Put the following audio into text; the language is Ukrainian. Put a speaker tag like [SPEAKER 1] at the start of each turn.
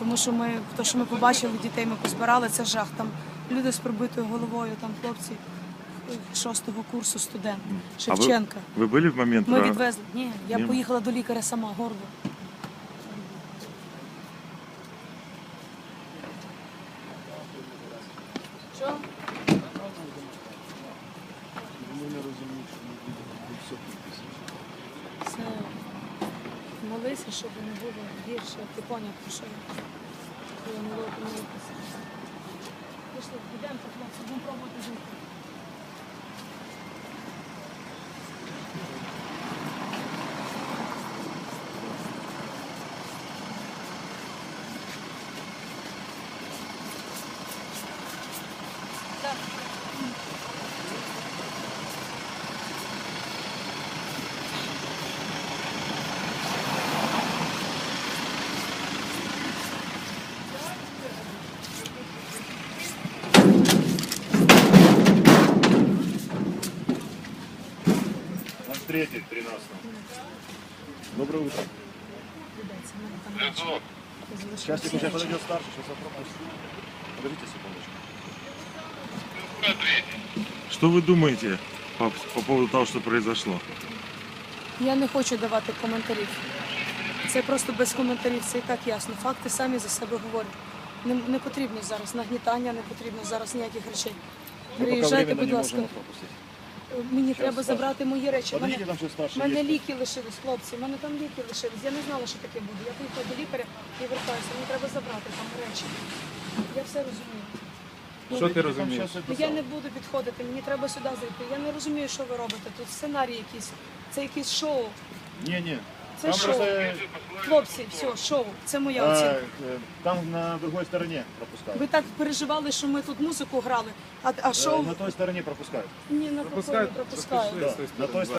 [SPEAKER 1] Тому що ми побачили дітей, ми позбирали, це жах. Там люди з пробитою головою, там хлопці 6-го курсу, студент, Шевченка.
[SPEAKER 2] Ви були в момент?
[SPEAKER 1] Ми відвезли. Ні, я поїхала до лікаря сама, горло. Що? Все. Молися, щоб не було гірше. Ти поняв, про що я? Я не було помилитися. Пішли, підемо, хлопці, будемо пробувати жити. Так.
[SPEAKER 3] Третий, 13. Доброе утро. Сейчас уже подойдет старший, сейчас попробуем. Подождите секундочку.
[SPEAKER 2] Что вы думаете по поводу того, что произошло?
[SPEAKER 1] Я не хочу давати коментарів. Це просто без коментарів, це і так ясно. Факти самі за себе говорять. Не потрібно зараз нагнітання, не потрібно зараз ніяких речей. Приїжджайте, будь ласка. Мені треба забрати мої речі. У мене ліки лишились, хлопці, у мене там ліки лишились. Я не знала, що таке буде. Я поїхала до лікаря і вертаюся. Мені треба забрати там речі. Я все розумію.
[SPEAKER 3] Що ти розумієш?
[SPEAKER 1] Я не буду підходити, мені треба сюди зайти. Я не розумію, що ви робите. Тут сценарій якийсь, це якесь шоу.
[SPEAKER 3] Ні.
[SPEAKER 1] Це
[SPEAKER 3] Там
[SPEAKER 1] шоу.
[SPEAKER 3] просто...
[SPEAKER 1] Хлопці, все, шоу. Це моя оцінка.
[SPEAKER 3] Там на другой стороне пропускают.
[SPEAKER 1] Ви так переживали, що ми тут музику грали, а шоу...
[SPEAKER 3] На той стороне пропускают.
[SPEAKER 1] Ні, на пропускають.
[SPEAKER 3] Да, на той стороне.